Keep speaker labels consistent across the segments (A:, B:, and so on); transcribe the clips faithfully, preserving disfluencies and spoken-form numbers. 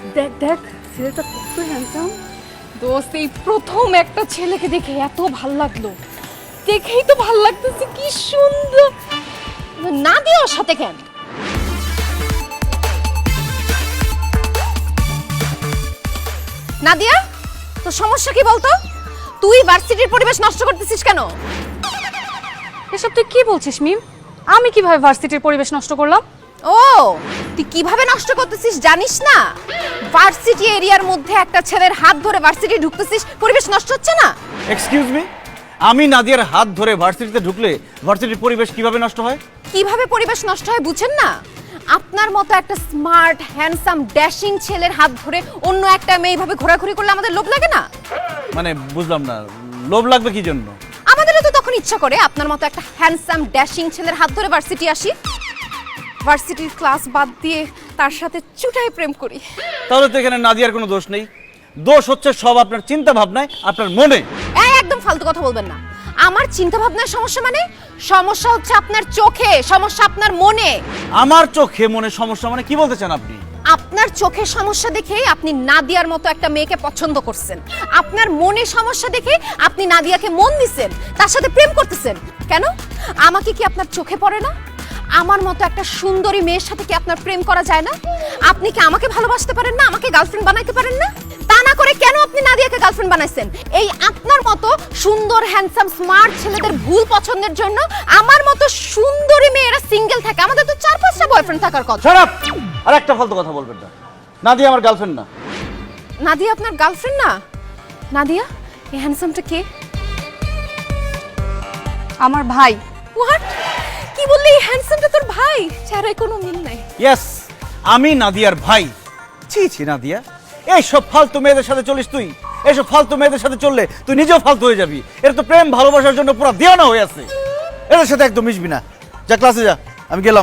A: দেখ দেখ ছেলেটা কত হ্যান্ডসাম। দোস্ত এই প্রথম একটা ছেলেকে দেখে এত ভাল লাগলো, দেখেই তো ভাল লাগতেছে, কি সুন্দর।
B: না দিয়ে ওর সাথে কেন? নাদিয়া, তোর সমস্যা কি বলতো? তুই ভার্সিটির পরিবেশ নষ্ট করতেছিস কেন?
A: এসব তুই কি বলছিস মিম? আমি কিভাবে ভার্সিটির পরিবেশ নষ্ট করলাম?
B: ও, তুই কিভাবে নষ্ট করতেছিস জানিস না? ভার্সিটি এরিয়ার মধ্যে একটা ছেলের হাত ধরে ভার্সিটি ঢুকতেছিস, পরিবেশ নষ্ট হচ্ছে না?
C: এক্সকিউজ মি, আমি নাদিয়ার হাত ধরে ভার্সিটিতে ঢুকলে ভার্সিটির পরিবেশ কিভাবে নষ্ট হয়?
B: কিভাবে পরিবেশ নষ্ট হয় বুঝেন না? আপনার মতো একটা স্মার্ট হ্যান্ডসাম ড্যাশিং ছেলের হাত ধরে অন্য একটা মেয়ে এইভাবে ঘোরাঘুরি করলে আমাদের লোভ লাগে না?
C: মানে বুঝলাম না, লোভ লাগবে কি জন্য?
B: আমাদেরও তো তখন ইচ্ছা করে আপনার মতো একটা হ্যান্ডসাম ড্যাশিং ছেলের হাত ধরে ভার্সিটি আসি, ভার্সিটির ক্লাস বাদ দিয়ে তার সাথে চুটাই প্রেম করি।
C: তাহলে তো এখানে নাদিয়ার কোনো দোষ নেই, দোষ হচ্ছে সব আপনার চিন্তা ভাবনায়, আপনার মনে।
B: এই একদম ফালতু কথা বলবেন না। আমার চিন্তা ভাবনার সমস্যা মানে? সমস্যা হচ্ছে আপনার চোখে, সমস্যা আপনার মনে।
C: আমার চোখে মনে সমস্যা মানে কি বলতে চান আপনি?
B: আপনার চোখের সমস্যা দেখে আপনি নাদিয়ার মতো একটা মেয়েকে পছন্দ করছেন, আপনার মনে সমস্যা দেখে আপনি নাদিয়াকে মন দিছেন, তার সাথে প্রেম করতেছেন। কেন? আমাকে কি আপনার চোখে পড়ে না? আমার মতো একটা সুন্দরী মেয়ের সাথে কি আপনার প্রেম করা যায় না? আপনি কি আমাকে ভালোবাসতে পারেন না? আমাকে গার্লফ্রেন্ড বানাইতে পারেন না? তা না করে কেন আপনি নাদিয়াকে গার্লফ্রেন্ড বানাইছেন? এই আপনার মতো সুন্দর হ্যান্ডসাম স্মার্ট ছেলেদের ভুল পছন্দের জন্য আমার মতো সুন্দরী মেয়েরা সিঙ্গেল থাকে। আমাদের তো চার পাঁচটা বয়ফ্রেন্ড থাকার কথা।
C: Shut up! আর একটা ফালতু কথা বলবেন না। নাদিয়া আমার গার্লফ্রেন্ড না।
B: নাদিয়া আপনার গার্লফ্রেন্ড না? নাদিয়া, এই হ্যান্ডসামটা কে?
A: আমার ভাই।
B: হোয়াট? কি বললি? এই হ্যান্ডসামটা তোর ভাই? চেহারায় কোনো মিল নাই।
C: ইয়েস, আমি নাদিয়ার ভাই। ছি ছি নাদিয়া, এই সব ফালতু মেয়েদের সাথে চলিস তুই? এইসব ফালতু মেয়েদের সাথে চললে তুই নিজেও ফালতু হয়ে যাবি। এর তো প্রেম ভালোবাসার জন্য পুরো দেওয়ানা হয়ে আছে। এদের সাথে একদম মিশবি না। যা ক্লাসে যা, আমি গেলাম।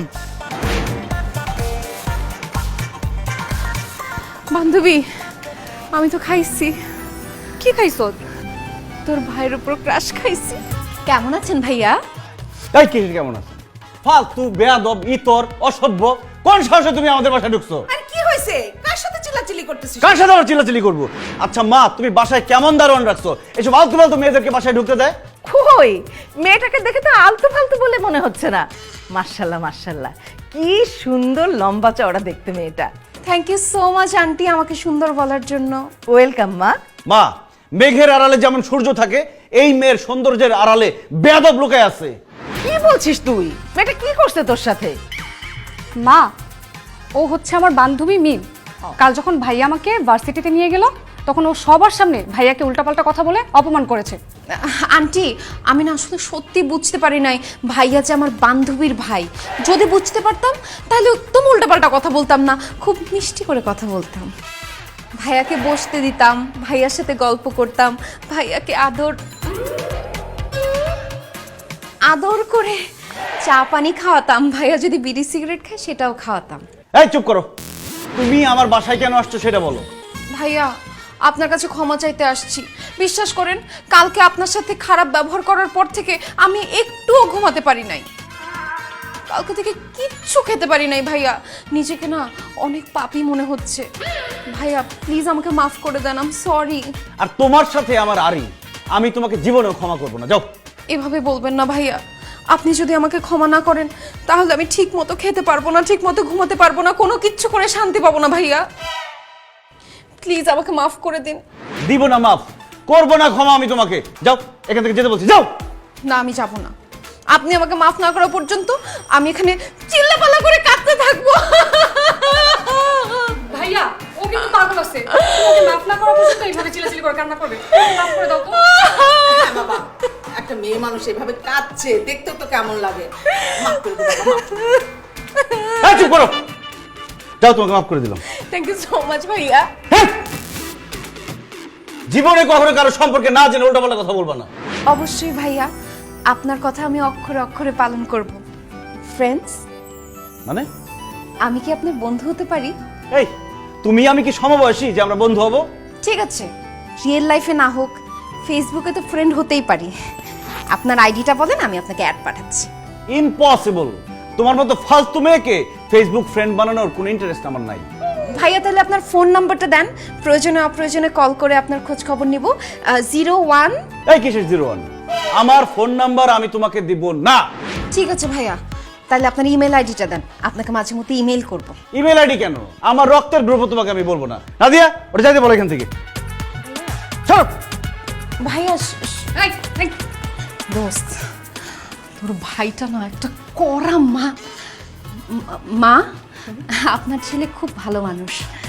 A: বান্ধবী, আমি তো খাইছি। কি খাইছ?
B: তোর ভাইয়ের উপর ক্রাশ খাইছি। কেমন আছেন ভাইয়া?
C: এই কি কেমন আছে? ফালতু বেয়াদব ইতর অসভ্য, কোন সাহসে তুমি আমাদের বাসায় ঢুকছো?
D: আর কি হয়েছে? কার সাথে চিল্লাচিল্লি করতেছিস?
C: কার সাথে আমরা চিল্লাচিল্লি করবো? আচ্ছা মা, তুমি বাসায় কেমন দারোয়ান রাখছো? এসব আলতু ফালতু মেয়েদেরকে বাসায় ঢুকতে দেয়?
D: কই, মেয়েটাকে দেখে তো আলতু ফালতু বলে মনে হচ্ছে না। মাশাআল্লাহ মাশাআল্লাহ, কি সুন্দর লম্বা চওড়া দেখতে মেয়েটা।
A: Thank you so much aunty আমাকে সুন্দর বলার জন্য।
D: ওয়েলকাম মা।
C: মা, মেঘের আড়ালে যেমন সূর্য থাকে, এই মেয়ের সৌন্দর্যের আড়ালে বেয়াদব লুকায় আছে।
D: কি বলছিস তুই? মেয়েটা কি করছে তোর সাথে?
A: মা, ও হচ্ছে আমার বান্ধবী মিম। কাল যখন ভাইয়া আমাকে ভার্সিটিতে নিয়ে গেল, তখন ও সবার সামনে ভাইয়াকে উল্টাপাল্টা কথা বলে অপমান করেছে।
B: আন্টি, আমি না আসলে সত্যি বুঝতে পারি নাই ভাইয়া যে আমার বান্ধবীর ভাই। যদি বুঝতে পারতাম তাহলে একদম উল্টাপাল্টা কথা বলতাম না, খুব মিষ্টি করে কথা বলতাম। ভাইয়াকে বসতে দিতাম, ভাইয়ার সাথে গল্প করতাম, ভাইয়াকে আদর আদর করে চা পানি খাওয়াতাম। ভাইয়া যদি বিড়ি সিগারেট খায় সেটাও খাওয়াতাম।
C: এই চুপ করো, তুমি আমার বাসায় কেন আসছো সেটা বলো।
B: ভাইয়া, আপনার কাছে ক্ষমা চাইতে আসছি। বিশ্বাস করেন, কালকে আপনার সাথে খারাপ ব্যবহার করার পর থেকে আমি একটুও ঘুমাতে পারি নাই। কালকে থেকে কিচ্ছু খেতে পারি নাই ভাইয়া। নিজেকে না অনেক পাপী মনে হচ্ছে। ভাইয়া প্লিজ আমাকে মাফ করে দেন, আই এম সরি।
C: আর তোমার সাথে আমার আরি, আমি তোমাকে জীবনেও ক্ষমা করবো না। যাও।
B: এভাবে বলবেন না ভাইয়া। আপনি যদি আমাকে ক্ষমা না করেন তাহলে আমি ঠিক মতো খেতে পারবো না, ঠিক মতো ঘুমাতে পারবো না, কোনো কিচ্ছু করে শান্তি পাবো না ভাইয়া। প্লিজ আমাকে মাফ করে দিন।
C: দিব না মাফ, করবো না ক্ষমা আমি তোমাকে। যাও, এখান থেকে যেতে বলছি, যাও।
B: না, আমি যাব না। আপনি আমাকে মাফ না করা পর্যন্ত আমি এখানে চিল্লাপাল্লা করে কাঁদতে থাকবো।
A: ভাইয়া, ও কিন্তু পাগল আছে। ওকে মাফ না করা পর্যন্ত এইভাবে চিল্লাচিল্লি করে কান্না করবে। মাফ করে দাও তো।
D: হ্যাঁ বাবা, একটা মেয়ে মানুষ এভাবে কাঁদছে, দেখতেও তো কেমন লাগে। মাফ করে দে বাবা, মাফ করে দে।
C: এই চুপ করো, যাও, তোমাকে মাফ করে দিলাম।
B: থ্যাংক ইউ সো মাচ ভাইয়া।
C: হ্যাঁ? জীবনে কখনো কারো সম্পর্কে না জেনে উল্টাপাল্টা কথা বলবা না।
B: অবশ্যই ভাইয়া, আপনার কথা আমি অক্ষরে অক্ষরে পালন করব। ফ্রেন্ডস,
C: মানে
B: আমি কি আপনার বন্ধু হতে পারি?
C: এই, তুমি আমি কি সমবয়সী যে আমরা বন্ধু হব?
B: ঠিক আছে, রিয়েল লাইফে না হোক, ফেসবুকে তো ফ্রেন্ড হতেই পারি। আপনার আইডিটা বলেন, আমি আপনাকে অ্যাড পাঠাচ্ছি।
C: ইম্পসিবল। তোমার মতো ফালতু মেয়েকে ফেসবুক ফ্রেন্ড বানানোর কোনো ইন্টারেস্ট আমার নাই।
B: ভাইয়া তাহলে আপনার ফোন নাম্বারটা দেন, প্রয়োজনে অপ্রয়োজনে কল করে আপনার খোঁজ খবর নিব। জিরো ওয়ান
C: এই কিসের জিরো ওয়ান? আমার ফোন নাম্বার আমি তোমাকে দিব না।
B: ঠিক আছে ভাইয়া, তাহলে আপনার ইমেল আইডিটা দেন, আপনাকে মাঝে মধ্যে ইমেল করব।
C: ইমেল আইডি কেন? আমার রক্তের গ্রুপ তোমাকে আমি বলবো না। নাদিয়া ওটা যাইতে বলো এখান থেকে। চলো।
B: ভাইয়া শ- শ-
A: এই, এই,
B: দোস্ত, তোর ভাইটা না একটা কড়া মা। মা, আপনার ছেলে খুব ভালো মানুষ।